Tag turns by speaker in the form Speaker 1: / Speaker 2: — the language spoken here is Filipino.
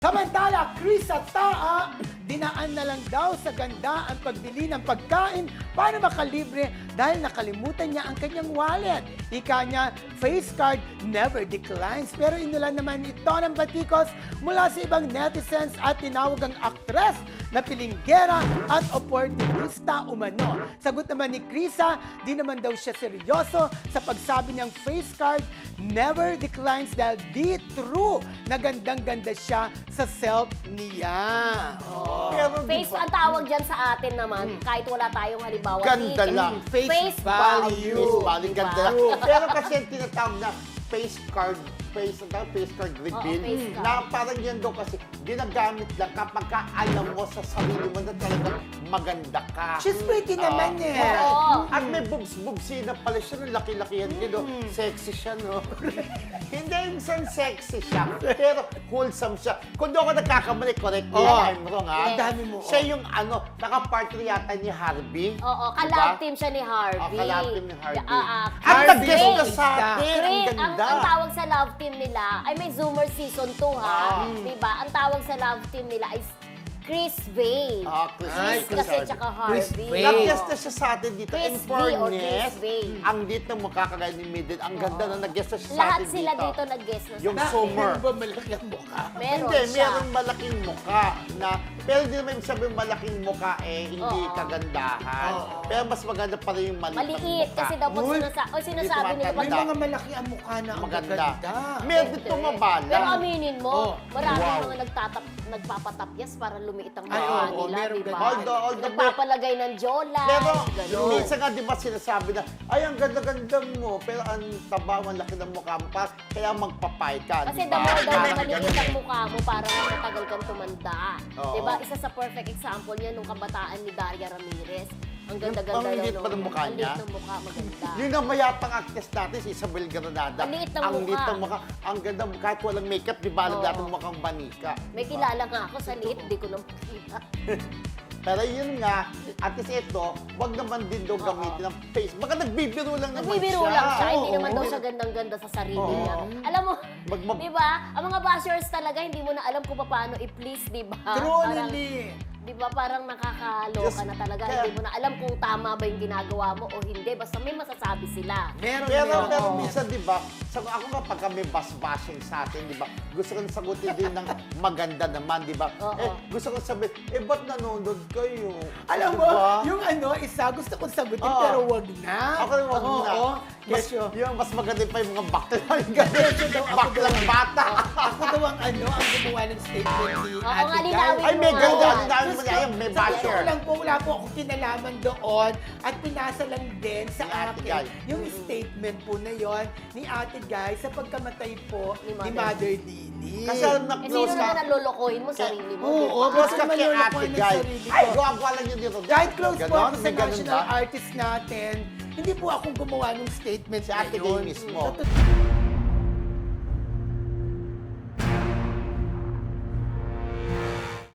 Speaker 1: Samantala, Chris at Taa, dinaan na lang daw sa ganda ang pagbili ng pagkain para makalibre dahil nakalimutan niya ang kanyang wallet. Ika niya, face card never declines. Pero inulan naman ito ng batikos mula sa ibang netizens at tinawag ang aktres na pilinggera at opportunista umano. Sagot naman ni Krisa, di naman daw siya seryoso sa pagsabi niyang face card never declines dahil di true na gandang-ganda siya sa self niya. Oh.
Speaker 2: Pero
Speaker 3: Face,
Speaker 2: diba,
Speaker 3: ang tawag dyan sa atin naman, kahit wala tayong halimbawa.
Speaker 2: ganda
Speaker 3: di-
Speaker 2: lang.
Speaker 3: Face
Speaker 1: value.
Speaker 2: Face value,
Speaker 3: Diba?
Speaker 2: ganda lang. Pero kasi yung tinatawag na face card reveal,
Speaker 3: face card.
Speaker 2: na parang yan daw kasi ginagamit lang kapag ka alam mo sa sarili mo na talagang maganda ka.
Speaker 1: She's pretty naman eh.
Speaker 3: Oo.
Speaker 2: At may boobs-boobsy na pala siya, no? Laki-laki yan, no? Sexy siya, no? Hindi yung isang sexy siya, pero wholesome siya. Kung doon ako nagkakamali, correct me if I'm wrong, ha?
Speaker 1: Ang dami mo.
Speaker 2: Siya yung naka-partner yata ni Harvey.
Speaker 3: Oo,
Speaker 2: Diba?
Speaker 3: ka-love team siya ni Harvey.
Speaker 2: ka-love team ni Harvey.
Speaker 3: At
Speaker 2: At nag-guest
Speaker 1: Harvey.
Speaker 2: na sa atin, ang
Speaker 3: Chris,
Speaker 2: ganda.
Speaker 3: ang tawag sa love team nila, ay may Zoomer season 2 ha. Diba? Ang tawag sa love team nila is Chris Vane.
Speaker 2: Chris
Speaker 1: Ay,
Speaker 3: Chris kasi tsaka
Speaker 1: Chris
Speaker 3: Harvey.
Speaker 1: Vane.
Speaker 2: Nag-guest na siya sa atin dito.
Speaker 3: Chris
Speaker 2: In
Speaker 3: V or Chris
Speaker 2: fairness,
Speaker 3: Vane.
Speaker 2: ang dito ng mukha kagaya ni Mildred, ang ganda na nag-guest na siya sa
Speaker 3: Lahat
Speaker 2: atin
Speaker 3: sila dito nag-guest na
Speaker 2: Yung
Speaker 3: sa
Speaker 2: Summer.
Speaker 1: Meron ba malaki ang mukha?
Speaker 3: Meron
Speaker 2: Hindi,
Speaker 3: siya.
Speaker 2: meron malaking mukha na, pero hindi naman ibig sabihin malaking mukha hindi
Speaker 3: Oo.
Speaker 2: kagandahan. Pero mas maganda pa rin yung maliit na
Speaker 3: Maliit
Speaker 2: mukha.
Speaker 3: kasi daw pag
Speaker 1: Uy,
Speaker 3: sinasabi nila
Speaker 1: May
Speaker 3: pag
Speaker 1: mga malaki ang mukha na ang
Speaker 2: Maganda.
Speaker 1: maganda.
Speaker 2: Meron dito mabala.
Speaker 3: Pero aminin mo,
Speaker 1: Oh,
Speaker 3: marami
Speaker 2: wow.
Speaker 3: mga nagpapatapyas para lumiit ang
Speaker 1: Ay,
Speaker 3: mukha
Speaker 1: oo,
Speaker 3: nila,
Speaker 1: meron
Speaker 3: di
Speaker 1: ganun.
Speaker 3: ba?
Speaker 2: Although,
Speaker 3: Nagpapalagay ng jola,
Speaker 2: Pero
Speaker 3: gano'n.
Speaker 2: minsan nga di ba sinasabi na, ay ang ganda-ganda mo, pero ang taba, ang laki ng mukha mo, kaya magpapay ka.
Speaker 3: Kasi
Speaker 2: di
Speaker 3: the
Speaker 2: ba?
Speaker 3: more daw na
Speaker 2: Parang
Speaker 3: maliit
Speaker 2: ganun.
Speaker 3: ang mukha mo, parang matagal kang tumanda.
Speaker 2: Oo.
Speaker 3: Diba? Isa sa perfect example niya nung kabataan ni Daria Ramirez. Ang ganda-ganda
Speaker 2: Ang liit
Speaker 3: daw
Speaker 2: pa ng mukha
Speaker 3: ang
Speaker 2: niya?
Speaker 3: liit ng mukha, maganda.
Speaker 2: Yun ang mayapang actress natin, si Isabel Granada.
Speaker 3: Ang liit ng
Speaker 2: Ang
Speaker 3: mukha.
Speaker 2: liit ng mukha. Ang ganda, kahit walang makeup, di ba? Alam
Speaker 3: Oo.
Speaker 2: natin mukhang banika.
Speaker 3: May kilala nga ako sa liit, di ko na makita.
Speaker 2: Pero yun nga, at least ito, wag naman din daw gamitin ng face. Baka nagbibiro lang naman
Speaker 3: Nagbibiro lang siya, hindi
Speaker 2: Oo.
Speaker 3: naman daw siya gandang-ganda sa sarili
Speaker 2: Oo.
Speaker 3: niya. Alam mo,
Speaker 2: Mag-
Speaker 3: di ba? Ang mga bashers talaga, hindi mo na alam kung paano i-please, di ba?
Speaker 1: True,
Speaker 3: Parang-
Speaker 1: Lily.
Speaker 3: Di ba parang nakakaloka
Speaker 2: Yes,
Speaker 3: na talaga.
Speaker 2: kaya-
Speaker 3: Hindi mo na alam kung tama ba yung ginagawa mo o hindi. Basta may masasabi sila.
Speaker 1: Meron,
Speaker 2: Pero
Speaker 1: meron.
Speaker 2: minsan, di ba, ako nga pagka may bashing sa atin, di ba, gusto ko sagutin din ng maganda naman, di ba?
Speaker 3: Oo.
Speaker 2: Gusto ko sabihin, ba't nanonood kayo?
Speaker 1: Alam mo,
Speaker 2: Diba?
Speaker 1: yung isa, gusto kong sagutin,
Speaker 2: Oo.
Speaker 1: pero wag na.
Speaker 2: Ako rin wag na.
Speaker 1: Oo.
Speaker 2: Mas,
Speaker 1: Kesyo.
Speaker 2: yung mas maganda pa yung mga bakla.
Speaker 1: Kesyo daw ako
Speaker 2: Baklang
Speaker 1: daw.
Speaker 2: bata.
Speaker 1: Ako daw ang ang gumawa ng statement ni
Speaker 3: Oo
Speaker 1: Ate
Speaker 3: nga,
Speaker 1: Guy.
Speaker 3: linawin
Speaker 2: Ay, may
Speaker 3: mo
Speaker 2: ganda.
Speaker 3: nga.
Speaker 2: Linawin mo niya. Ayun, may
Speaker 1: Sa totoo
Speaker 2: basher.
Speaker 1: lang po, wala po ako kinalaman doon at pinasa lang din sa
Speaker 2: Ni Ate
Speaker 1: akin
Speaker 2: Guy.
Speaker 1: yung statement po na yon ni Ate Guy sa pagkamatay po
Speaker 3: Ni
Speaker 1: ni
Speaker 3: Mother
Speaker 1: Mother Lily.
Speaker 2: Kasi alam na
Speaker 3: Eh,
Speaker 2: close
Speaker 3: sino
Speaker 2: ka.
Speaker 3: naman ang lolokohin mo, sarili mo?
Speaker 1: Oo,
Speaker 3: di ba?
Speaker 2: Close ka
Speaker 1: Bakit
Speaker 2: kay
Speaker 1: maluloko
Speaker 2: Ate
Speaker 1: ng
Speaker 2: Guy.
Speaker 1: sarili ko?
Speaker 2: Ay, gawa lang yun dito.
Speaker 1: Kahit close po
Speaker 2: Ganon?
Speaker 1: ako sa
Speaker 2: May ganun
Speaker 1: national
Speaker 2: ba?
Speaker 1: artist natin, hindi po akong gumawa ng statement
Speaker 2: Si Ate
Speaker 1: na yun.
Speaker 2: Guy mismo.
Speaker 1: Sa